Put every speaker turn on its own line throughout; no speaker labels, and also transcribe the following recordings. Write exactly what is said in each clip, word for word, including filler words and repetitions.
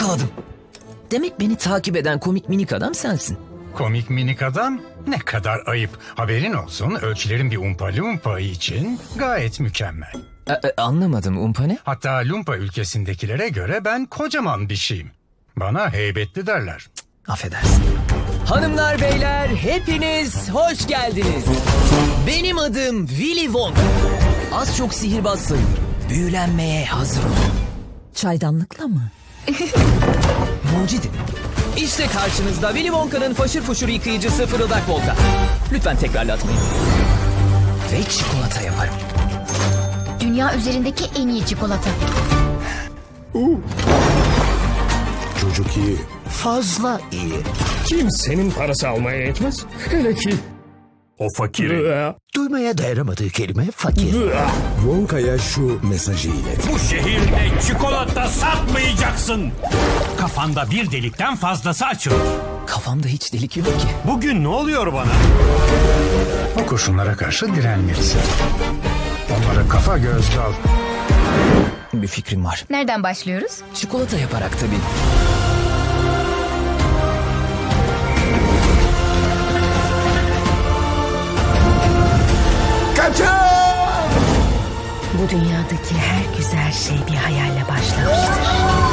yakaladım. Demek beni takip eden komik minik adam sensin.
Komik minik adam? Ne kadar ayıp. Haberin olsun, ölçülerin bir Umpa Lumpa için gayet mükemmel.
E, e, anlamadım, umpa ne?
Hatta Lumpa ülkesindekilere göre ben kocaman bir şeyim. Bana heybetli derler.
Affedersin. Hanımlar beyler hepiniz hoş geldiniz. Benim adım Willy Wonka. Az çok sihirbaz sayılır. Büyülenmeye hazır olun.
Çaydanlıkla mı?
Mucidim. İşte karşınızda Willy Wonka'nın faşır fuşur yıkayıcısı Fırıldak Volka. Lütfen tekrarlatmayın. Ve çikolata yaparım.
Dünya üzerindeki en iyi çikolata.
Çocuk iyi.
Fazla iyi.
Kimsenin parası almaya yetmez. Hele ki
O fakir.
Duymaya dayanamadığı kelime fakir.
Wonka'ya şu mesajı ilet.
Bu şehirde çikolata satmayacaksın. Kafanda bir delikten fazlası açılır.
Kafamda hiç delik yok ki.
Bugün ne oluyor bana?
O kurşunlara karşı direnmelisin. Onlara kafa göz dal.
Bir fikrim var.
Nereden başlıyoruz?
Çikolata yaparak tabii.
Bu dünyadaki her güzel şey bir hayalle başlamıştır.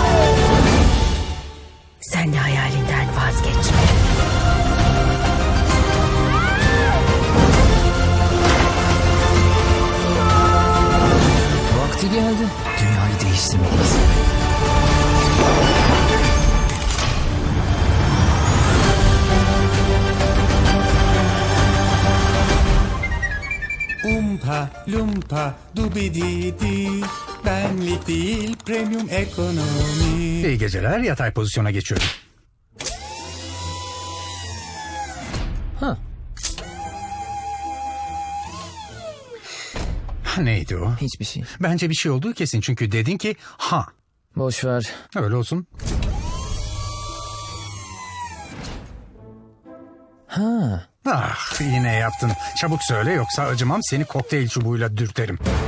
Sen de hayalinden vazgeçme.
Vakti geldi. Dünyayı değiştirmeliyiz.
Umpa lumpa dubididi. Benlik değil premium ekonomi.
İyi geceler, yatay pozisyona geçiyorum.
Ha,
Neydi o?
hiçbir şey.
Bence bir şey olduğu kesin çünkü dedin ki ha.
Boş ver.
Öyle olsun.
Ha.
Ah, yine yaptın. Çabuk söyle yoksa acımam, seni kokteyl çubuğuyla dürterim.